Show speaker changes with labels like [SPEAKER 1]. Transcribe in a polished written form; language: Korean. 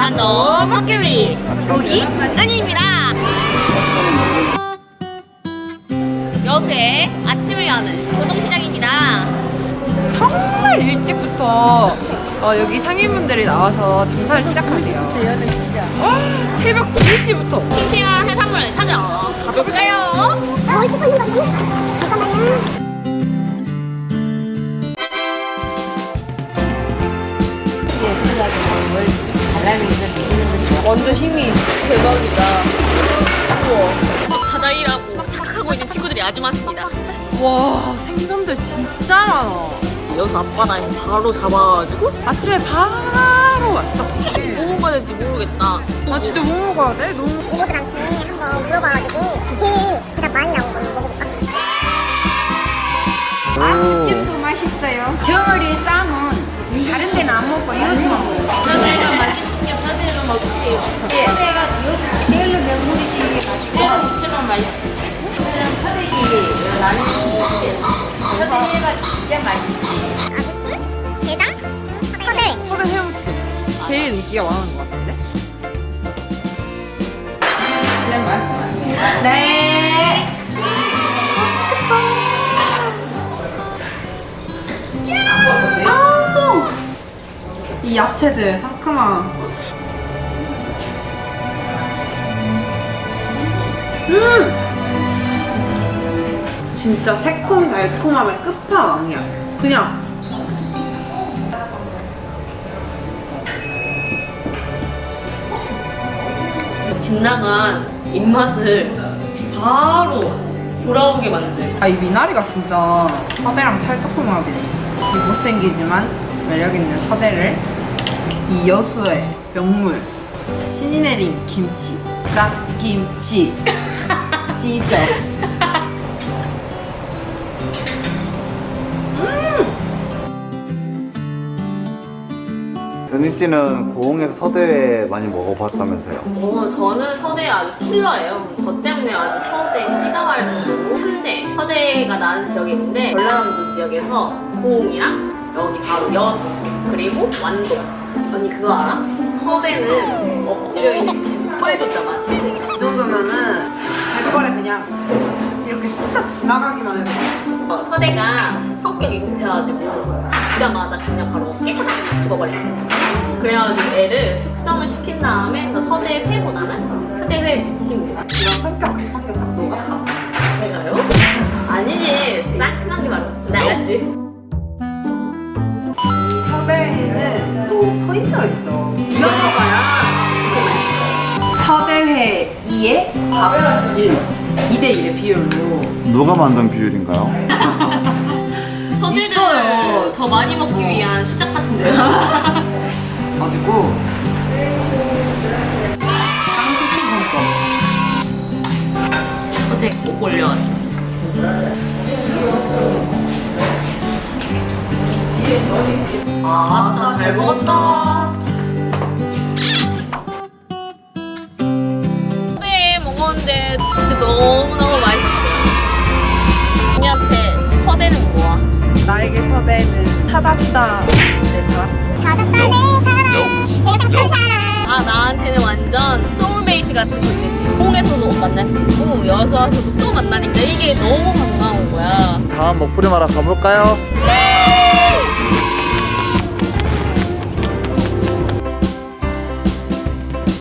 [SPEAKER 1] 단도 먹기위 로기 은희입니다. 여수의 아침을 여는 교동시장입니다.
[SPEAKER 2] 정말 일찍부터 여기 상인분들이 나와서 장사를 시작하세요. 새벽 2시부터.
[SPEAKER 1] 싱싱한 해산물 사러 가볼까요?
[SPEAKER 3] 뭐 이렇게 파는 거지? 잠깐만요.
[SPEAKER 2] 완전 힘이 대박이다.
[SPEAKER 1] 막 바다 일하고 막 착하고 있는 친구들이 아주 많습니다.
[SPEAKER 2] 와, 생선들 진짜 많아.
[SPEAKER 1] 여수 앞바다에 바로 잡아가지고
[SPEAKER 2] 아침에 바로 왔어.
[SPEAKER 1] 뭐 먹어야 될지 모르겠다.
[SPEAKER 2] 아, 진짜 뭐 먹어야 돼? 너무.
[SPEAKER 3] 이모들한테 한번 물어봐가지고 제일 가장 많이 나온 걸로 먹어볼까?
[SPEAKER 4] 찜도 맛있어요. 정어리 쌈은 다른 데는 안 먹고 여수만 먹어요.
[SPEAKER 1] 사대가 맛있으니까 사대 좀 먹으세요.
[SPEAKER 4] 사대가 여수 제일로 명물이지. 맛있고.
[SPEAKER 1] 무채만 맛있어요.
[SPEAKER 4] 사대기 나는 사대가 진짜 맛있지.
[SPEAKER 3] 아구찜, 게장, 서대.
[SPEAKER 2] 서대 회무침. 제일 인기가 많은 것 같은데?
[SPEAKER 4] 네.
[SPEAKER 2] 이 야채들 상큼한. 진짜 새콤 달콤함의 끝판왕이야. 그냥.
[SPEAKER 1] 집 나간 입맛을 바로 돌아오게 만들.
[SPEAKER 2] 이 미나리가 진짜 서대랑 찰떡궁합이네. 이 못생기지만 매력있는 서대를 이 여수의 명물 신이 내린 김치 갓김치 지저스.
[SPEAKER 5] 은희 씨는 고흥에서 서대회 많이 먹어봤다면서요?
[SPEAKER 1] 저는 서대 아주 킬러예요. 저 때문에 아주 서대 씨가 말 정도로 3대 서대가 나는 지역이 있는데 전라남도 지역에서 고흥이랑 여기 바로 여수 그리고 완도. 언니 그거 알아? 서대는 엎드려 있는 뻘조차 맛있는
[SPEAKER 2] 이 정도면은 백발에 그냥 이렇게 스쳐 지나가기만 해도 맛있어.
[SPEAKER 1] 서대가 성격이 급해가지고 잡자마자 그냥 바로 깨끗하게 죽어버린대. 그래가지고 애를 숙성을 시킨 다음에 서대 회보다는 서대 회 무침입니다.
[SPEAKER 2] 이런 성격 급한 게 딱 너 같아.
[SPEAKER 1] 제가요? 아니지, 상큼한 게 바로 나지.
[SPEAKER 2] 서대회는 또 포인트가 있어. 이런 거야. 서대회 2에 밥 1, 2대1의 비율로.
[SPEAKER 5] 누가 만든 비율인가요?
[SPEAKER 1] 서대를
[SPEAKER 2] 있어요.
[SPEAKER 1] 더 많이 먹기 위한 수작 같은데요?
[SPEAKER 2] 가지고 쌍수치 성과.
[SPEAKER 1] 어떻게 꼭 올려가지고. 아, 잘 먹었다. 서대 먹었는데 진짜 너무너무 맛있었어요. 언니한테 서대는 뭐야?
[SPEAKER 2] 나에게 서대는 찾았다 내 사람.
[SPEAKER 3] 찾았다 내 사랑, 내가 찾던 사랑.
[SPEAKER 1] 아, 나한테는 완전 소울메이트 같은 존재지. 홍에서도 만날 수 있고 여수 와서도 또 만나니까 이게 너무 반가운 거야.
[SPEAKER 5] 다음 먹부림 하러 가볼까요?
[SPEAKER 1] 네.